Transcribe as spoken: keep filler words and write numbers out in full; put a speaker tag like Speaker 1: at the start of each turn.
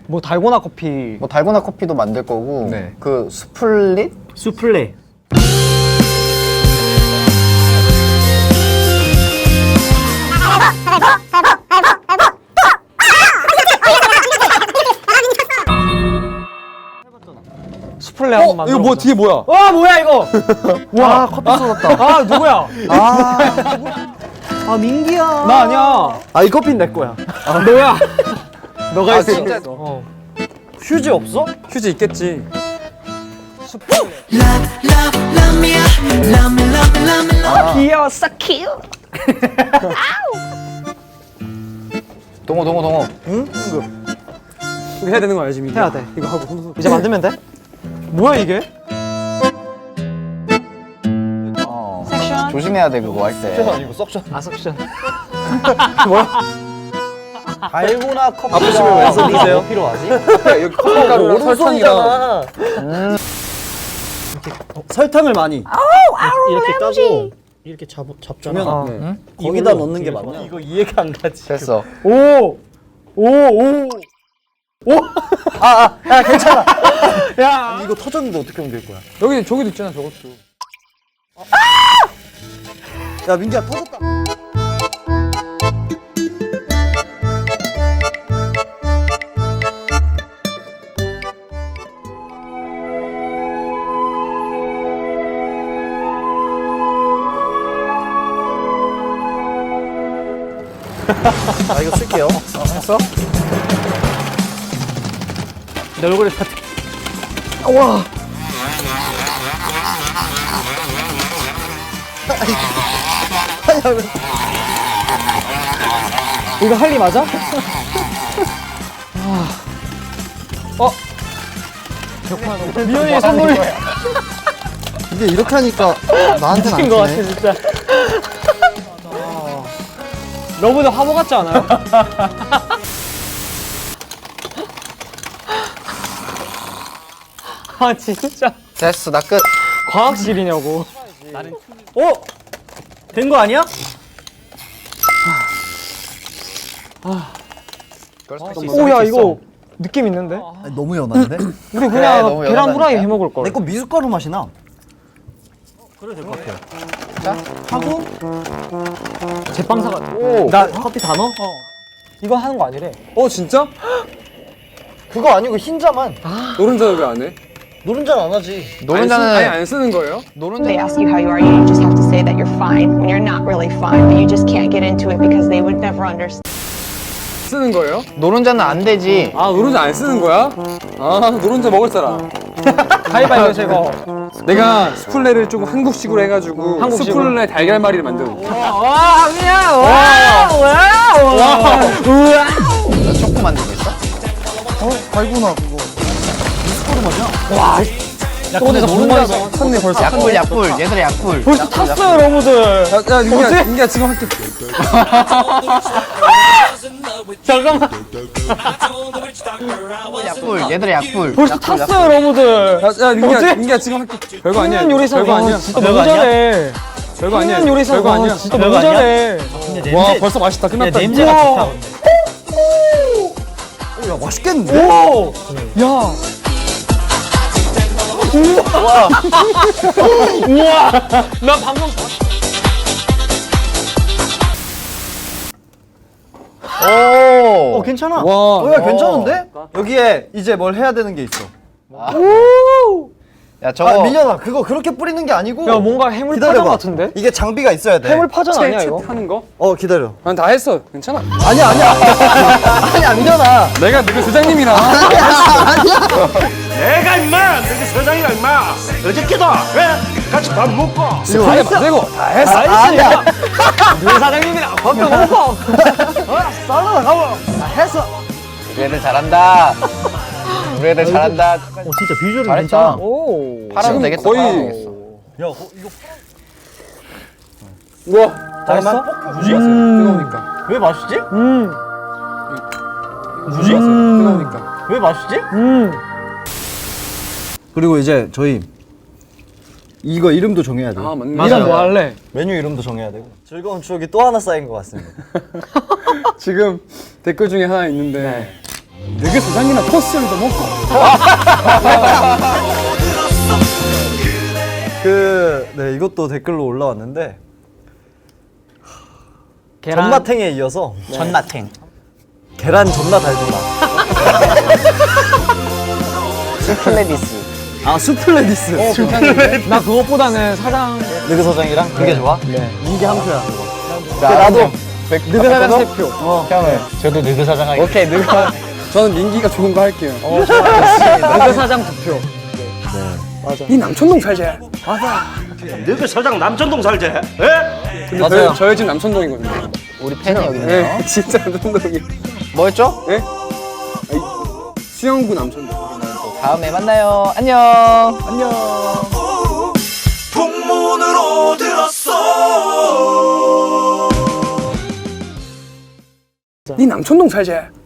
Speaker 1: 뭐 달고나 커피.
Speaker 2: 뭐 달고나 커피도 만들 거고.
Speaker 1: 네.
Speaker 2: 그 수플릿?
Speaker 1: 수플레. 수플레 한번 만들어.
Speaker 3: 이거 뭐 뒤에 뭐야?
Speaker 1: 와 뭐야 이거? 와 커피 쏟았다. 아 누구야?
Speaker 4: 아, 아 민기야.
Speaker 1: 나 아니야.
Speaker 4: 아 이 커피는 내 거야.
Speaker 1: 아, 너야. 너가
Speaker 2: 아,
Speaker 1: 했어.
Speaker 2: 진짜?
Speaker 1: 어. 휴지 없어?
Speaker 3: 휴지 있겠지.
Speaker 2: 아.
Speaker 1: 귀여워, so cute.
Speaker 2: 동호 동호 동호.
Speaker 4: 응? 이거
Speaker 3: 이거 해야 되는 거 알지, 민기?
Speaker 4: 해야 돼.
Speaker 3: 이거 하고 손
Speaker 4: 이제 만들면 돼?
Speaker 1: 뭐야 이게?
Speaker 2: 어. 조심해야 돼 그거 할 때.
Speaker 4: 아니고 석션.
Speaker 1: 아 석션.
Speaker 4: 달고나 커피가
Speaker 3: 아프시면 왜
Speaker 4: 쓰세요? 뭐 필요하지?
Speaker 3: 앞에 여기 커피가루랑 설탕이랑
Speaker 4: 음. 설탕을 많이 이렇게 까고 이렇게 잡, 잡잖아.
Speaker 1: 아,
Speaker 3: 네.
Speaker 1: 응?
Speaker 4: 거기다 넣는 게 맞냐? 이거 이해가 안 가지.
Speaker 2: 됐어.
Speaker 1: 오, 오, 오, 오.
Speaker 4: 아, 아, 야 괜찮아.
Speaker 1: 야,
Speaker 4: 아니, 이거 터졌는데 어떻게 옮길 거야?
Speaker 3: 여기 저기도 있잖아, 저것도.
Speaker 4: 야 민기야 터졌다. 아 이거 쓸게요.
Speaker 2: 어, 했어?
Speaker 1: 내 얼굴에 다.
Speaker 4: 와.
Speaker 1: 이거 할리 맞아? 어? 미연이 선물
Speaker 4: 근데 이렇게 하니까 나한테는 안
Speaker 1: 미친 거 같아
Speaker 4: 주네.
Speaker 1: 진짜. 러브도 화보 같지 않아요? 아 진짜
Speaker 2: 됐어 나 끝.
Speaker 1: 과학실이냐고.
Speaker 4: 어? 된 거 아니야?
Speaker 1: 오야 이거 느낌 있는데?
Speaker 4: 아니, 너무 연한데?
Speaker 1: 우리
Speaker 2: 그래,
Speaker 1: 그냥
Speaker 2: 너무
Speaker 1: 계란
Speaker 2: 연하다니까.
Speaker 1: 후라이 해 먹을 걸.
Speaker 4: 내 거 미숫가루 맛이 나. 그래 될 것 같아요.
Speaker 2: 자.
Speaker 4: 하고
Speaker 1: 제빵 사가.
Speaker 2: 오.
Speaker 4: 나 커피 다 넣어?
Speaker 1: 이거 하는 거 아니래.
Speaker 3: 어, 진짜?
Speaker 4: 그거 아니고 흰자만.
Speaker 3: 노른자 왜 안 해?
Speaker 4: 노른자는 안 하지.
Speaker 3: 아예
Speaker 2: 노른자는
Speaker 3: 안 쓰는 거예요?
Speaker 2: 노른자.
Speaker 5: They ask you how you are, you just have to say that you're fine when you're not really fine, but you just can't get into it because they would never understand.
Speaker 3: 쓰는 거예요?
Speaker 2: 노른자는 안 되지.
Speaker 3: 아, 노른자 안 쓰는 거야? 아, 노른자 먹을 사람.
Speaker 1: 가위바위보 제거.
Speaker 3: 내가 수플레를 조금 한국식으로 해가지고
Speaker 1: 한국식으로?
Speaker 3: 수플레 달걀말이를 만들어.
Speaker 1: 와, 그냥 와, 와, 와, 우와.
Speaker 2: 너 초코 만들겠어?
Speaker 4: 어? 달고나 그거. 미숫가루 맛이야.
Speaker 1: 와, 야, 근데 노른자
Speaker 3: 탔네 벌써.
Speaker 2: 약불 약불 얘들아 약불.
Speaker 1: 벌써
Speaker 2: 약불,
Speaker 1: 탔어요,
Speaker 2: 약불.
Speaker 1: 여러분들.
Speaker 3: 야, 야, 민기야, 민기야 지금 할게.
Speaker 1: 잠깐만.
Speaker 2: 약불 얘들아 약불.
Speaker 1: 벌써
Speaker 2: 약불,
Speaker 1: 탔어요,
Speaker 2: 약불.
Speaker 1: 여러분들.
Speaker 3: 야, 야, 민기야,
Speaker 1: 뭐지?
Speaker 3: 민기야 지금 할게. 별거 아니야.
Speaker 1: 청년 요리사.
Speaker 3: 별거 아니야.
Speaker 1: 진짜
Speaker 4: 별거
Speaker 1: 너무
Speaker 4: 아니야?
Speaker 1: 잘해.
Speaker 3: 별거 아니야.
Speaker 1: 청년 요리사.
Speaker 3: 별거 아니야.
Speaker 1: 진짜
Speaker 4: 별거
Speaker 1: 너무
Speaker 4: 아니야?
Speaker 1: 잘해.
Speaker 3: 와, 벌써 맛있다. 끝났다.
Speaker 4: 냄새가
Speaker 1: 우와.
Speaker 4: 좋다 근데. 오, 야 맛있겠는데?
Speaker 1: 오, 야. 우와. 우와. 나 방금.
Speaker 2: 오.
Speaker 4: 어 괜찮아.
Speaker 3: 와.
Speaker 4: 어, 야 괜찮은데? 여기에 이제 뭘 해야 되는 게 있어.
Speaker 2: 야 저거.
Speaker 4: 아 민현아 그거 그렇게 뿌리는 게 아니고.
Speaker 1: 야, 뭔가 해물
Speaker 4: 기다려봐.
Speaker 1: 파전 같은데?
Speaker 4: 이게 장비가 있어야 돼.
Speaker 1: 해물 파전 아니야 이거?
Speaker 3: 하는 거?
Speaker 4: 어 기다려.
Speaker 3: 난 다 했어. 괜찮아.
Speaker 4: 아니야 아니야. 아니야 민현아.
Speaker 3: 내가 너희 사장님이라.
Speaker 6: 내가 임마! 너희 서장이가 임마! 어저께도 왜? 같이 밥 먹고
Speaker 3: 다 해봐. 되고 다 했어.
Speaker 1: 아니야. 너 사장님이랑 밥도 먹고.
Speaker 4: 살라나 가봐. 아, 했어.
Speaker 2: 우리 애들 잘한다. 우리 애들 잘한다.
Speaker 4: 어 진짜 비주얼이
Speaker 2: 잘했다.
Speaker 1: 오.
Speaker 2: 팔아도
Speaker 3: 지금
Speaker 2: 되겠다.
Speaker 3: 거의-
Speaker 2: 팔아도 되겠어.
Speaker 4: 야 어, 이거
Speaker 3: 우와.
Speaker 4: 잠깐만.
Speaker 3: 무지? 뜨거우니까.
Speaker 4: 왜 맛있지?
Speaker 1: 음.
Speaker 3: 무지? 뜨거우니까.
Speaker 4: 왜 맛있지?
Speaker 1: 음.
Speaker 4: 그리고 이제 저희 이거 이름도 정해야 돼요.
Speaker 3: 아, 맞네.
Speaker 1: 이름 뭐 할래?
Speaker 4: 메뉴 이름도 정해야 되고. 즐거운 추억이 또 하나 쌓인 것 같습니다.
Speaker 3: 지금 댓글 중에 하나 있는데 너희 사장이나 토스트도 먹고.
Speaker 1: 그, 네, 이것도 댓글로 올라왔는데
Speaker 4: 계란
Speaker 1: 전마탱에 이어서
Speaker 4: 전마탱.
Speaker 1: 계란 존나 달달라.
Speaker 2: 스플레디스.
Speaker 1: 아, 수플레디스.
Speaker 3: 어, 괜찮은데?
Speaker 4: 나 그것보다는 사장
Speaker 1: 느그 서장이랑 그게 좋아?
Speaker 4: 네.
Speaker 1: 민기 한 표야.
Speaker 2: 자,
Speaker 1: 나도
Speaker 2: 느그 사장 세 표.
Speaker 1: 어.
Speaker 2: 형은
Speaker 1: 저도 느그 사장 하겠습니다.
Speaker 2: 오케이 느그.
Speaker 3: 저는 민기가 좋은 거 할게요.
Speaker 4: 느그 사장 두 표.
Speaker 3: 이 남천동 살지?
Speaker 6: 너그 서장 남천동 살지? 에?
Speaker 3: 근데
Speaker 1: 맞아요.
Speaker 3: 저희, 저희 집 남천동이거든요.
Speaker 2: 우리 팬이 여기 있네요.
Speaker 3: 네, 진짜 남천동이.
Speaker 2: 뭐였죠?
Speaker 3: 네? 아이, 수영구 남천동.
Speaker 2: 다음에 만나요. 안녕. 안녕.
Speaker 6: 풍문으로 들었어.
Speaker 3: 이 남천동 살지?